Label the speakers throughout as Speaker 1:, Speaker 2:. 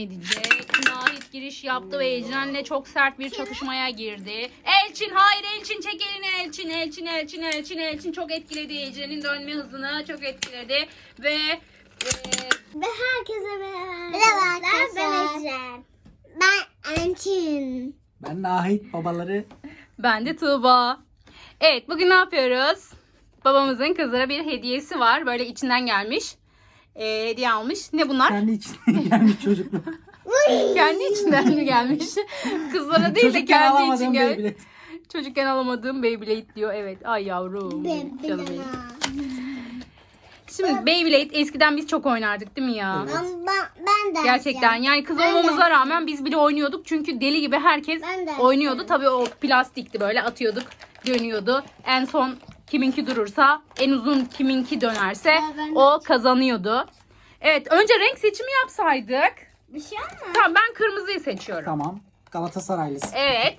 Speaker 1: Nahit giriş yaptı ve Ecren'le çok sert bir çatışmaya girdi. Elçin, hayır Elçin, çek elini Elçin. Çok etkiledi Ecren'in dönme hızını, çok etkiledi ve
Speaker 2: herkese merhaba arkadaşlar. Ben Ecren. Ben Elçin.
Speaker 3: Ben Nahit, babaları.
Speaker 1: ben de Tuğba. Evet, bugün ne yapıyoruz? Babamızın kızlara bir hediyesi var. Böyle içinden gelmiş. Hediye almış. Ne bunlar?
Speaker 3: Kendi içinden gelmiş çocuklar.
Speaker 1: Kendi içinden mi gelmiş? Kızlara değil de
Speaker 3: Çocukken
Speaker 1: kendi için
Speaker 3: alamadığım
Speaker 1: gelmiş.
Speaker 3: Beyblade.
Speaker 1: Çocukken alamadığım Beyblade diyor. Evet. Ay yavrum. Canım benim. Şimdi Beyblade eskiden biz çok oynardık değil mi ya?
Speaker 3: Evet.
Speaker 2: Ben de.
Speaker 1: Gerçekten yani kız olmamıza rağmen biz bile oynuyorduk. Çünkü deli gibi herkes
Speaker 2: Ben de.
Speaker 1: oynuyordu. Tabii o plastikti, böyle atıyorduk, dönüyordu. En son kiminki durursa, en uzun kiminki dönerse
Speaker 2: ben de.
Speaker 1: o kazanıyordu. Evet, önce renk seçimi yapsaydık.
Speaker 2: Bir şey olmaz.
Speaker 1: Tamam, ben kırmızıyı seçiyorum.
Speaker 3: Tamam. Galatasaraylısın.
Speaker 1: Evet.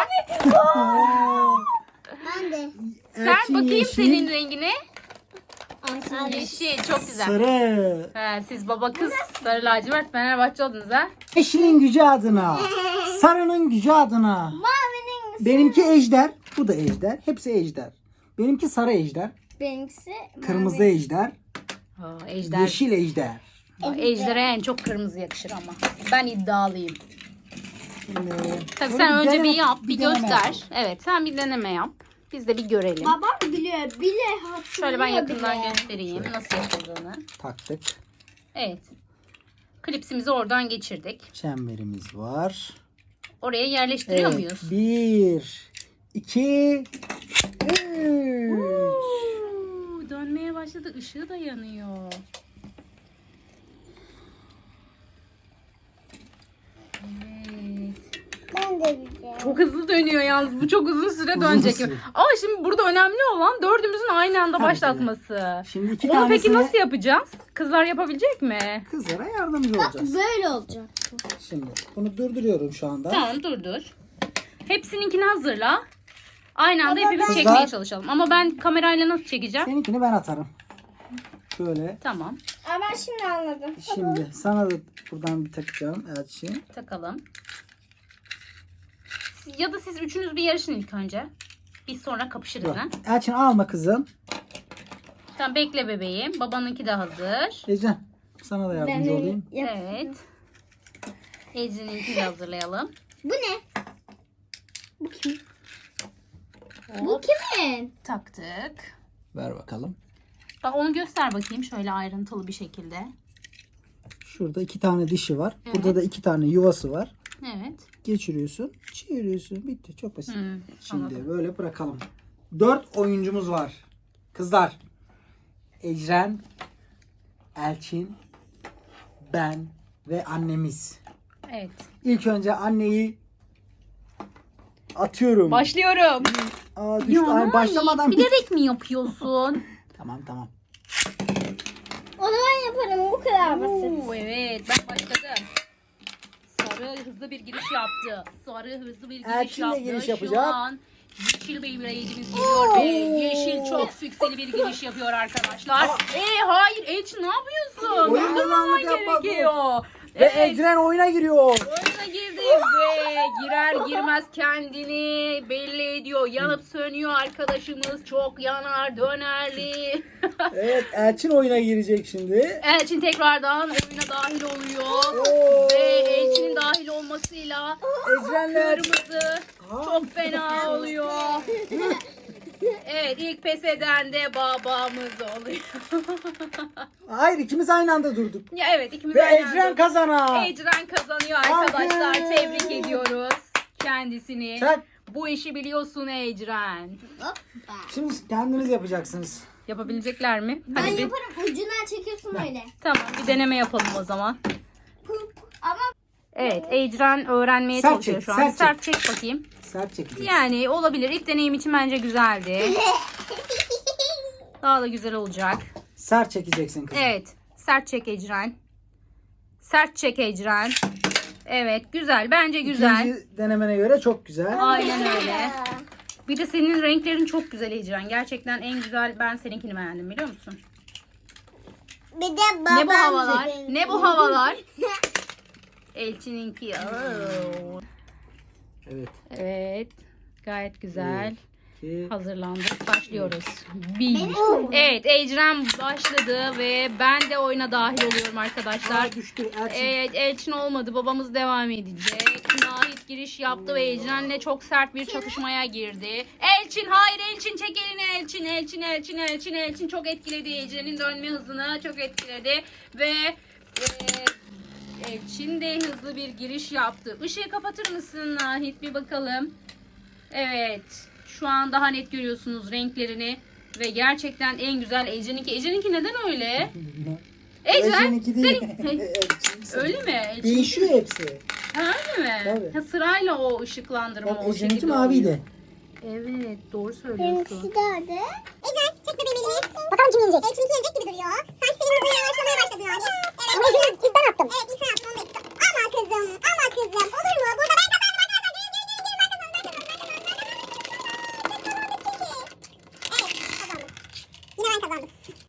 Speaker 2: Ben de.
Speaker 1: Sen bakayım
Speaker 3: yeşil,
Speaker 1: senin rengine.
Speaker 2: Ay,
Speaker 1: Yeşil, çok güzel.
Speaker 3: Sarı.
Speaker 1: Siz baba kız sarı lacivert Fenerbahçe oldunuz ha.
Speaker 3: Yeşilin gücü adına. Sarının gücü adına.
Speaker 2: Mavinin
Speaker 3: Benimki ejder. Bu da ejder. Hepsi ejder. Benimki sarı ejder.
Speaker 2: benimkisi
Speaker 3: Kırmızı ejder.
Speaker 1: Ejder.
Speaker 3: Yeşil ejder.
Speaker 1: Ejder'e en çok kırmızı yakışır ama. Ben iddialıyım.
Speaker 3: Şimdi,
Speaker 1: Tabii
Speaker 3: böyle
Speaker 1: sen önce
Speaker 3: deneme-
Speaker 1: bir yap, bir
Speaker 3: deneme
Speaker 1: göster.
Speaker 3: yapalım.
Speaker 1: Evet, sen bir deneme yap. Biz de bir görelim.
Speaker 2: Babam biliyor. Bile hatırlıyor.
Speaker 1: Şöyle ben yakından
Speaker 2: bile.
Speaker 1: göstereyim nasıl yapıldığını.
Speaker 3: Taktık.
Speaker 1: Evet. Klipsimizi oradan geçirdik.
Speaker 3: Çemberimiz var.
Speaker 1: Oraya yerleştiriyor
Speaker 3: Evet.
Speaker 1: muyuz?
Speaker 3: 1, 2, 3.
Speaker 1: Dönmeye başladı. Işığı da yanıyor. Evet.
Speaker 2: Ben de biliyorum.
Speaker 1: Çok hızlı dönüyor yalnız. Bu çok uzun süre dönecek.
Speaker 3: süre.
Speaker 1: Ama şimdi burada önemli olan dördümüzün aynı anda
Speaker 3: Tabii ki de.
Speaker 1: başlatması.
Speaker 3: Şimdi iki
Speaker 1: Onu
Speaker 3: tanesini
Speaker 1: peki nasıl yapacağız? Kızlar yapabilecek mi?
Speaker 3: kızlara yardımcı olacağız.
Speaker 2: Böyle olacak.
Speaker 3: Şimdi bunu durduruyorum şu anda.
Speaker 1: Tamam, dur. Hepsininkini hazırla. Aynı anda hepimiz
Speaker 3: Kızlar-
Speaker 1: çekmeye çalışalım. Ama ben kamerayla nasıl çekeceğim?
Speaker 3: Seninkini ben atarım. Şöyle.
Speaker 1: Tamam,
Speaker 2: Ama ben şimdi anladım.
Speaker 3: Şimdi sana da buradan bir takacağım Elçin.
Speaker 1: takalım. Ya da siz üçünüz bir yarışın ilk önce. Biz sonra kapışırız
Speaker 3: Yok.
Speaker 1: ha.
Speaker 3: Elçin alma kızım.
Speaker 1: Tamam, bekle bebeğim. Babanınki de hazır.
Speaker 3: Ecren sana da yardımcı olayım.
Speaker 1: Evet. Ece'ninki de hazırlayalım.
Speaker 2: Bu ne? Bu kim? Bu
Speaker 1: Hop,
Speaker 2: kimin?
Speaker 1: taktık.
Speaker 3: Ver bakalım.
Speaker 1: Bak, onu göster bakayım şöyle ayrıntılı bir şekilde.
Speaker 3: Şurada 2 tane dişi var.
Speaker 1: Evet.
Speaker 3: Burada da 2 tane yuvası var.
Speaker 1: Evet.
Speaker 3: Geçiriyorsun. Çeviriyorsun. Bitti. Çok basit. Şimdi
Speaker 1: anladım.
Speaker 3: böyle bırakalım. 4 oyuncumuz var. Kızlar. Ecren, Elçin, ben ve annemiz.
Speaker 1: Evet.
Speaker 3: İlk önce anneyi atıyorum.
Speaker 1: Başlıyorum.
Speaker 3: Aa, düştü. Ay, başlamadan bitti.
Speaker 1: bilerek mi yapıyorsun?
Speaker 3: Tamam.
Speaker 2: Onu ben yaparım. Bu kadar basit.
Speaker 1: Oo, evet, ben başladım. Sarı hızlı bir giriş yaptı. Sarı hızlı bir giriş
Speaker 3: Elçin de
Speaker 1: yaptı.
Speaker 3: giriş
Speaker 1: Şu
Speaker 3: yapacak.
Speaker 1: an yeşil Beyblade'imiz geliyor ve yeşil çok sükseli bir giriş yapıyor arkadaşlar. Hayır Elçin, ne yapıyorsun?
Speaker 3: Oyun
Speaker 1: Durdurmaman
Speaker 3: bozanlık yapma bu.
Speaker 1: gerekiyor.
Speaker 3: Ve
Speaker 1: Evet.
Speaker 3: Ecren oyuna giriyor.
Speaker 1: Oyuna girdi ve girer girmez kendini belli ediyor. Yanıp sönüyor arkadaşımız. Çok yanar dönerli.
Speaker 3: Evet, Elçin oyuna girecek şimdi.
Speaker 1: Elçin tekrardan oyuna dahil oluyor.
Speaker 3: Oo.
Speaker 1: Ve Elçin'in dahil olmasıyla
Speaker 3: Ecrenler.
Speaker 1: kırmızı çok fena oluyor. Evet, ilk pes eden de babamız oluyor.
Speaker 3: Hayır, ikimiz aynı anda durduk.
Speaker 1: Ya evet, ikimiz
Speaker 3: Ve
Speaker 1: aynı
Speaker 3: Ecren
Speaker 1: anda.
Speaker 3: kazanan.
Speaker 1: Ecren kazanıyor arkadaşlar.
Speaker 3: Alkış.
Speaker 1: Tebrik ediyoruz kendisini.
Speaker 3: Çak.
Speaker 1: Bu işi biliyorsun Ecren.
Speaker 2: Hoppa.
Speaker 3: Şimdi kendiniz yapacaksınız.
Speaker 1: Yapabilecekler mi?
Speaker 2: Ben
Speaker 1: Hadi bir,
Speaker 2: yaparım. Ucundan çekiyorsun öyle.
Speaker 1: tamam, bir deneme yapalım o zaman.
Speaker 2: Ama
Speaker 1: Evet, Ecren öğrenmeye
Speaker 3: Sert
Speaker 1: çalışıyor
Speaker 3: çek,
Speaker 1: şu an.
Speaker 3: sert
Speaker 1: Sert çek bakayım.
Speaker 3: Sert çekeceğiz.
Speaker 1: Yani olabilir. İlk deneyim için bence güzeldi. Daha da güzel olacak.
Speaker 3: Sert çekeceksin kızım.
Speaker 1: Evet. Sert çek Ecren. Sert çek Ecren. Evet, güzel. Bence güzel.
Speaker 3: İkinci denemene göre çok güzel.
Speaker 1: Aynen öyle. Bir de senin renklerin çok güzel Ecren. Gerçekten en güzel, ben seninkini beğendim, biliyor musun?
Speaker 2: bir de babam.
Speaker 1: Ne bu havalar? Ne bu havalar? Elçin'inki.
Speaker 3: Evet.
Speaker 1: Evet. Gayet güzel.
Speaker 3: İki.
Speaker 1: Hazırlandık. Başlıyoruz. Evet, Ecren başladı ve ben de oyuna dahil oluyorum arkadaşlar.
Speaker 3: Düştü. Elçin.
Speaker 1: Evet, Elçin olmadı. Babamız devam edecek. Nahit giriş yaptı ve Ecren'le çok sert bir çatışmaya girdi. Elçin, hayır Elçin, çek elini Elçin. Elçin çok etkiledi. Ecren'in dönme hızını çok etkiledi. Ve Elçin de hızlı bir giriş yaptı. Işığı kapatır mısın Nahit, bir bakalım. Evet. Şu an daha net görüyorsunuz renklerini. Ve gerçekten en güzel Ecren'inki. Ecren'inki neden öyle? Ecren,
Speaker 3: Elçin'inki değil.
Speaker 1: senin-
Speaker 3: Elçin.
Speaker 1: öyle mi? Elçin-
Speaker 3: Değişiyor hepsi.
Speaker 1: Ha, öyle mi?
Speaker 3: Tabii.
Speaker 1: Ha, sırayla o ışıklandırma
Speaker 3: Bak
Speaker 1: o
Speaker 3: Ecren'inki
Speaker 1: şekilde
Speaker 3: maviydi.
Speaker 1: oluyor. Evet, doğru söylüyorsun.
Speaker 2: Benimki de öyle. Ecren çek bebeğim elini. Bakalım kim yenecek? Elçin'inki yenecek gibi duruyor. Sanki senin hızın yavaşlamaya başladı yani. Evet. Ama ilk ben attım. Evet ilk sen attın. Onu bekliyorum. Ama kızım. Ama kızım. Olur mu? Burada ben kazandım arkadaşlar. Gelin ben kazandım. Evet kazandım. Yine ben kazandım.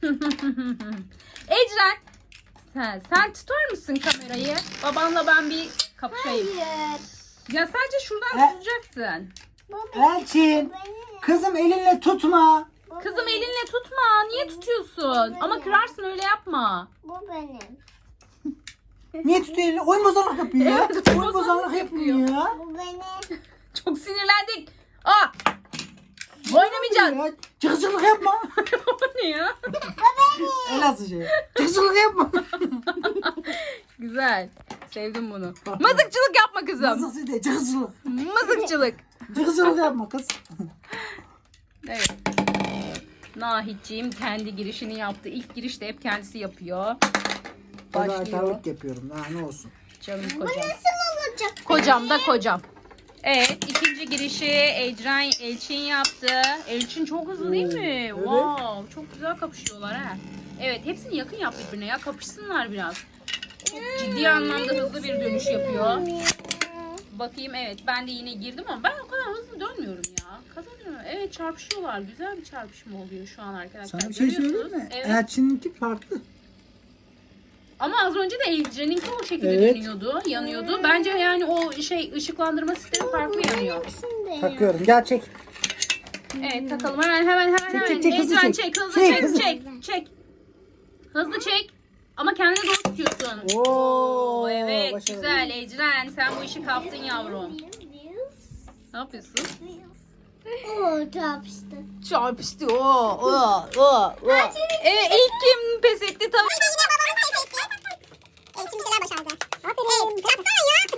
Speaker 1: Ecren, sen tutar mısın kamerayı? Babanla ben bir kapışayım.
Speaker 2: Hayır.
Speaker 1: Ya sadece şuradan
Speaker 3: Ha.
Speaker 1: tutacaksın.
Speaker 3: Elçin. Kızım elinle tutma.
Speaker 1: Kızım elinle tutma. Niye tutuyorsun? Ama kırarsın, öyle yapma.
Speaker 2: Bu benim.
Speaker 3: Niye tutuyor elini? Oyun bozanlık yapıyor ya.
Speaker 1: Evet, oyun
Speaker 3: Oyun bozanlık yapıyor ya.
Speaker 2: Bu benim.
Speaker 1: Çok sinirlendik. Aa! Oynamayacağız.
Speaker 3: Ya, çıkıcılık yapma.
Speaker 1: O ne ya?
Speaker 3: Elazığ şey. Çıkıcılık yapma.
Speaker 1: Güzel. Sevdim bunu. Mızıkçılık yapma kızım.
Speaker 3: Nasıl değil? Çıkıcılık.
Speaker 1: Mızıkçılık.
Speaker 3: Çıkıcılık yapma kız.
Speaker 1: Evet. Nahitciğim kendi girişini yaptı. İlk girişte hep kendisi yapıyor. Başlıyor.
Speaker 3: Fedakarlık yapıyorum. Daha ne olsun.
Speaker 1: Canım
Speaker 2: Bu
Speaker 1: kocam.
Speaker 2: nasıl olacak?
Speaker 1: Kocam da kocam. Evet, ikinci girişi Elçin yaptı. Elçin çok hızlı değil mi?
Speaker 3: Evet.
Speaker 1: Wow, çok güzel kapışıyorlar ha. Evet, hepsini yakın yap birbirine ya, kapışsınlar biraz. Çok ciddi anlamda hızlı bir dönüş yapıyor. Bakayım, evet ben de yine girdim ama ben o kadar hızlı dönmüyorum ya. Kazanıyorum. Evet, çarpışıyorlar. Güzel bir çarpışma oluyor şu an arkadaşlar.
Speaker 3: Sana bir şey söyleyeyim
Speaker 1: Görüyorsunuz.
Speaker 3: mi?
Speaker 1: Evet.
Speaker 3: Elçin'inki farklı.
Speaker 1: Ama az önce de Ecren'inki o şekilde
Speaker 3: Evet.
Speaker 1: dönüyordu, yanıyordu. Bence yani o ışıklandırma sistemi farklı yanıyor.
Speaker 3: Takıyorum. Gel çek.
Speaker 1: Evet, takalım hemen.
Speaker 3: Çek, hızlı
Speaker 1: Ecren
Speaker 3: çek.
Speaker 1: çek, hızlı
Speaker 3: Çek,
Speaker 1: çek,
Speaker 3: hızlı.
Speaker 1: çek. Hızlı çek. Ama kendine doğru tutuyorsun.
Speaker 3: Oo,
Speaker 1: Evet,
Speaker 3: başarılı.
Speaker 1: güzel Ecren. Sen bu işi kaptın yavrum. Ne yapıyorsun?
Speaker 2: Oo çarpıştı.
Speaker 1: Çarpıştı. Evet, ilk kim pes etti? Tabii.
Speaker 2: Elçin bir şeyler başardı. Aferin. Yapsana ya.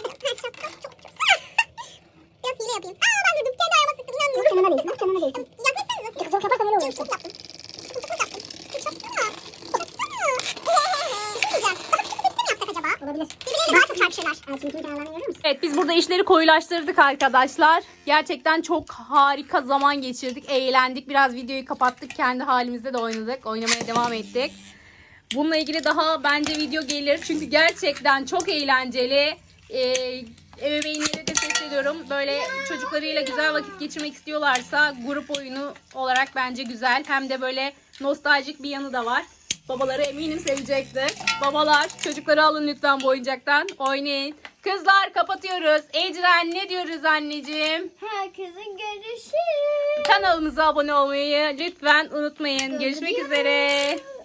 Speaker 2: Biraz hile yapayım. Aa ben durdum. Kendi ayağıma sıktım. İnanmıyorum. Canına değsin. Bak canına değsin. Yapmasana. Çok yaparsan öyle olur. Çok yaptım. Çok yaptım. Çok yapsana. Yapsana. Bir şey diyeceğim. Bak şu tepsi mi yapsak acaba? Olabilir. Birbirleriyle daha çok çarpışırlar. Elçin'in kenarlarını görüyor musun?
Speaker 1: Evet, biz burada işleri koyulaştırdık arkadaşlar. Gerçekten çok harika zaman geçirdik. Eğlendik. Biraz videoyu kapattık. Kendi halimizde de oynadık. Oynamaya devam ettik. Bununla ilgili daha bence video gelir. Çünkü gerçekten çok eğlenceli. Ebeveynlere de sesleniyorum. Böyle çocuklarıyla güzel vakit geçirmek istiyorlarsa grup oyunu olarak bence güzel. Hem de böyle nostaljik bir yanı da var. Babaları eminim sevecektir. Babalar, çocukları alın lütfen bu oyuncaktan. Oynayın. Kızlar, kapatıyoruz. Ecren, ne diyoruz anneciğim?
Speaker 2: Herkesin görüşü.
Speaker 1: Kanalımıza abone olmayı lütfen unutmayın. Görüşmek üzere.